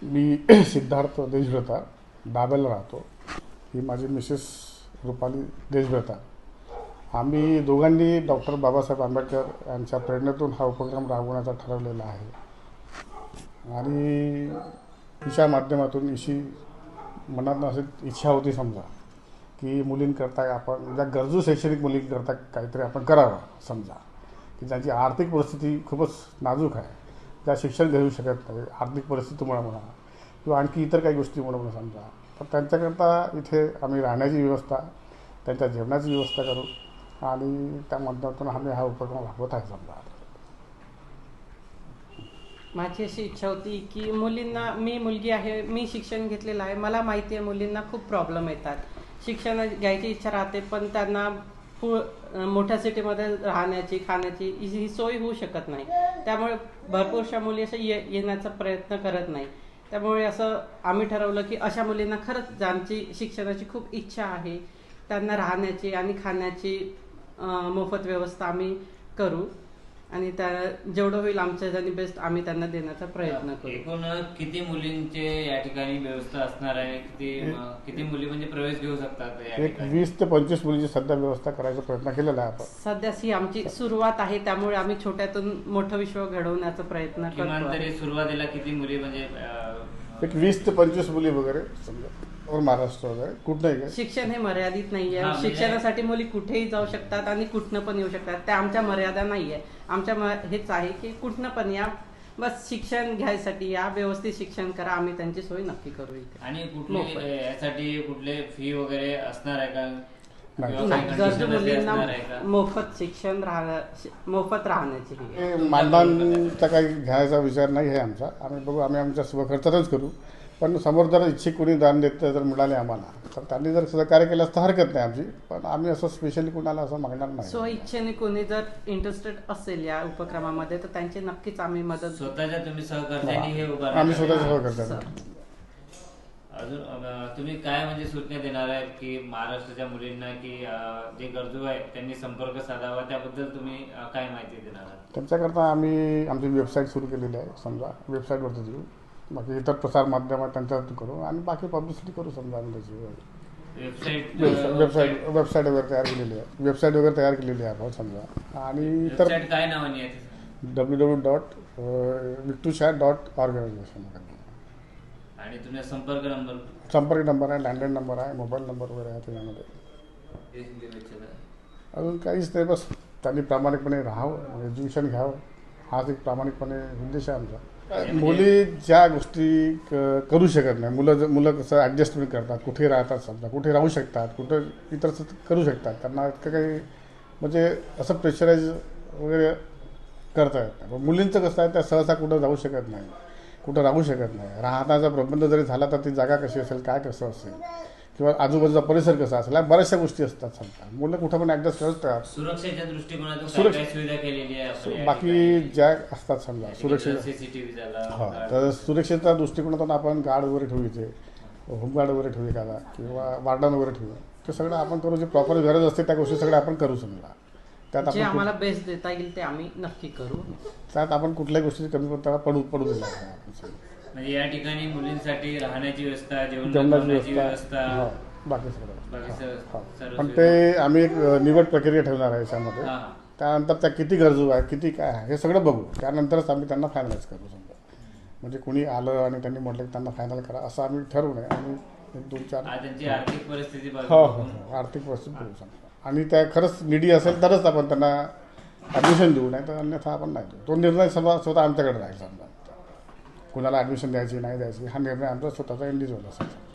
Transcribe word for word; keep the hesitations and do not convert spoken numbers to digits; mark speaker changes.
Speaker 1: मी सिद्धार्थ देशभ्रता दाबेला राहतो. ही माझी मिसेस रुपाली देशभ्रता. आम्ही दोघांनी डॉक्टर बाबासाहेब आंबेडकर यांच्या प्रेरणेतून हा उपक्रम राबवण्याचा ठरवलेला आहे आणि तिच्या माध्यमातून इशी मनात अशी इच्छा होती समजा की मुलींकरता आपण ज्या गरजू शैक्षणिक मुलींकरता काहीतरी आपण करावं समजा की ज्यांची आर्थिक परिस्थिती खूपच नाजूक आहे, ज्या शिक्षण घेऊ शकत नाही आर्थिक परिस्थितीमुळे म्हणा किंवा आणखी इतर काही गोष्टीमुळे म्हणा समजा, तर त्यांच्याकरता इथे आम्ही राहण्याची व्यवस्था, त्यांच्या जेवणाची व्यवस्था करू आणि त्या माध्यमातून आम्ही हा उपक्रम राबवत आहे समजा.
Speaker 2: माझी अशी इच्छा होती की मुलींना, मी मुलगी आहे, मी शिक्षण घेतलेलं आहे, मला माहिती आहे मुलींना खूप प्रॉब्लेम येतात, शिक्षण घ्यायची इच्छा राहते पण त्यांना पु मोठ्या सिटीमध्ये राहण्याची खाण्याची ही सोय होऊ शकत नाही. त्यामुळे भरपूरशा मुली असं ये येण्याचा प्रयत्न करत नाही. त्यामुळे असं आम्ही ठरवलं की अशा मुलींना खरंच ज्यांची शिक्षणाची खूप इच्छा आहे त्यांना राहण्याची आणि खाण्याची मोफत व्यवस्था आम्ही करू आणि त्या जेवढं होईल आमच्या जणी बेस्ट आम्ही त्यांना देण्याचा प्रयत्न करू.
Speaker 3: एकूण किती मुलींचे या ठिकाणी व्यवस्था असणार आहे? किती किती मुली म्हणजे प्रवेश घेऊ शकतात?
Speaker 1: एक वीस ते पंचवीस मुलींची सध्या व्यवस्था करायचा प्रयत्न केलेला आहे आपण.
Speaker 2: सध्याच ही आमची सुरुवात आहे, त्यामुळे आम्ही छोट्यातून मोठं विश्व घडवण्याचा प्रयत्न करतो.
Speaker 3: किमान तरी सुरुवातीला किती मुली म्हणजे
Speaker 1: एक वीस ते पंचवीस मुली वगैरे समजा और महाराष्ट्र वगैरे कुठे
Speaker 2: शिक्षण हे मर्यादित नाहीये. शिक्षणासाठी मुली कुठेही जाऊ शकतात आणि कुठनं पण येऊ शकतात. त्या आमच्या मर्यादा नाहीये. आमच्या हेच आहे की कुठनं पण या, बस शिक्षण घ्यायसाठी या, व्यवस्थित शिक्षण करा, आम्ही त्यांची सोय नक्की करू इथे.
Speaker 3: आणि कुठले यासाठी कुठले फी वगैरे असणार आहे का?
Speaker 2: गरजू मुलींना मोफत शिक्षण राहण्या मोफत राहण्याची
Speaker 1: मानधनचा काही घ्यायचा विचार नाही आहे आमचा. आम्ही बघू, आम्ही आमच्या स्वखर्चातच करू, पण समोर जर इच्छिक कोणी दान देत जर मिळाले आम्हाला तर त्यांनी जर सहकार्य केलं तर हरकत नाही आमची, पण आम्ही असं स्पेशली कुणाला असं मागणार नाही.
Speaker 2: स्व इच्छेने कोणी जर इंटरेस्टेड असेल या उपक्रमामध्ये तर त्यांची नक्कीच आम्ही मदत.
Speaker 3: स्वतःच्या तुम्ही सहकार्याने हे उभारणार?
Speaker 1: आम्ही स्वतःच्या सहकार्याने.
Speaker 3: अजून तुम्ही काय म्हणजे सूचना देणार आहे की महाराष्ट्राच्या मुलींना की जे गरजू आहेत त्यांनी संपर्क साधावा, त्याबद्दल तुम्ही काय माहिती देणार आहात?
Speaker 1: त्यांच्याकरता आम्ही आमची वेबसाईट सुरू केलेली आहे समजा, वेबसाईटवरती देऊ, बाकी इतर प्रसार माध्यमात त्यांच्यावरती करू आणि बाकी पब्लिसिटी करू समजा. आम्ही त्याची
Speaker 3: वेबसाईट
Speaker 1: वेबसाईट वेबसाईट वगैरे तयार केलेली आहे वेबसाईट वगैरे तयार केलेली आहे आपण समजा. आणि इतर
Speaker 3: काय नावाने आहे?
Speaker 1: डब्ल्यू डब्ल्यू डॉट विक्टूशा डॉट ऑर्गनायझेशन.
Speaker 3: आणि तुमचा संपर्क नंबर?
Speaker 1: संपर्क नंबर आहे, लँडलाईन नंबर आहे, मोबाईल नंबर वगैरे आहे त्याच्यामध्ये. अजून काहीच नाही, बस त्यांनी प्रामाणिकपणे राहावं, एज्युकेशन घ्यावं, हाच एक प्रामाणिकपणे उद्देश आहे आमचा. मुली ज्या गोष्टी करू शकत नाही, मुलं मुलं कसं ॲडजस्टमेंट करतात, कुठे राहतात समजा, कुठे राहू शकतात, कुठं इतर करू शकतात, त्यांना इतकं काही म्हणजे असं प्रेशराईज वगैरे करता येत नाही. मुलींचं कसं आहे, त्या सहसा कुठं जाऊ शकत नाही, कुठं राहू शकत नाही. राहण्याचा प्रबंध जरी झाला तर ती जागा कशी असेल, काय कसं असेल, किंवा आजूबाजूचा परिसर कसा असेल, बऱ्याचशा गोष्टी असतात समजा. मुलं कुठं पण ॲडजस्ट करतात.
Speaker 3: सुरक्षेच्या दृष्टिकोनातून सुविधा केलेली आहे
Speaker 1: बाकी ज्या असतात समजा सुरक्षित.
Speaker 3: सीसीटीव्ही
Speaker 1: हा, तर सुरक्षेच्या दृष्टिकोनातून आपण गार्ड वगैरे ठेवू, इथे होमगार्ड वगैरे ठेवू एखादा, किंवा वार्डन वगैरे ठेवू. ते सगळं आपण करू, जे प्रॉपर गरज असते त्या गोष्टी सगळ्या आपण करू समजा. त्यात
Speaker 2: जे आम्हाला बेस्ट देता येईल ते आम्ही नक्की करू.
Speaker 1: त्यात आपण कुठल्याही गोष्टी कमी त्याला पडू पडू दिला
Speaker 3: म्हणजे या ठिकाणी मुलींसाठी राहण्याची व्यवस्था, जेवणाची व्यवस्था,
Speaker 1: बाकी सगळं. पण ते आम्ही एक निवड प्रक्रिया ठेवणार आहे याच्यामध्ये. त्यानंतर त्या किती गरजू आहे, किती काय आहे हे सगळं बघू, त्यानंतरच आम्ही त्यांना फायनलाइज करू समजा. म्हणजे कोणी आलं आणि त्यांनी म्हटलं की त्यांना फायनल करा असं आम्ही ठरवू नये. आम्ही एक दोन चार
Speaker 3: त्यांची आर्थिक परिस्थिती
Speaker 1: हो हो हो आर्थिक परिस्थिती बघू समजा. आणि त्या खरंच निडी असेल तरच आपण त्यांना ॲडमिशन देऊ, नाही तर अन्यथा आपण नाही देऊ. तो निर्णय समजा स्वतः आमच्याकडे राहील समजा. कुणाला ॲडमिशन द्यायची नाही द्यायची हा निर्णय आमचा स्वतःचा इंडिव्हिज्युअल असेल.